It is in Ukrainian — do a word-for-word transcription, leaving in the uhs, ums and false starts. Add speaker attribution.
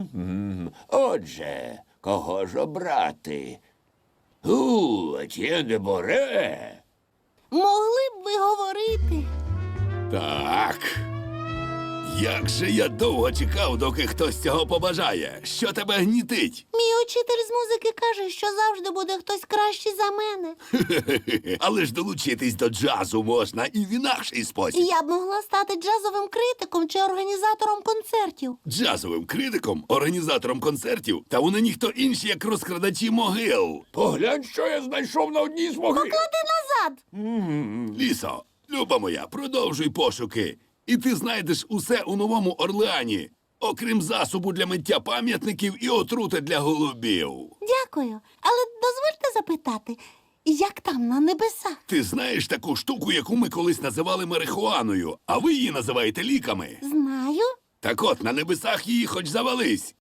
Speaker 1: Отже, кого ж обрати? У, Етьєн де Боре.
Speaker 2: Могли б ви говорити?
Speaker 3: Так. Як же я довго чекав, доки хтось цього побажає. Що тебе гнітить?
Speaker 2: Мій учитель з музики каже, що завжди буде хтось кращий за мене.
Speaker 3: Але ж долучитись до джазу можна і в інакший спосіб.
Speaker 2: Я б могла стати джазовим критиком чи організатором концертів.
Speaker 3: Джазовим критиком, організатором концертів, та вони ніхто інші, як розкрадачі могил.
Speaker 1: Поглянь, що я знайшов на одній з могил.
Speaker 2: Поклади назад!
Speaker 3: Лісо, люба моя, продовжуй пошуки. І ти знайдеш усе у Новому Орлеані, окрім засобу для миття пам'ятників і отрути для голубів.
Speaker 2: Дякую. Але дозвольте запитати, як там на небесах?
Speaker 3: Ти знаєш таку штуку, яку ми колись називали марихуаною, а ви її називаєте ліками?
Speaker 2: Знаю.
Speaker 3: Так от, на небесах її хоч завались.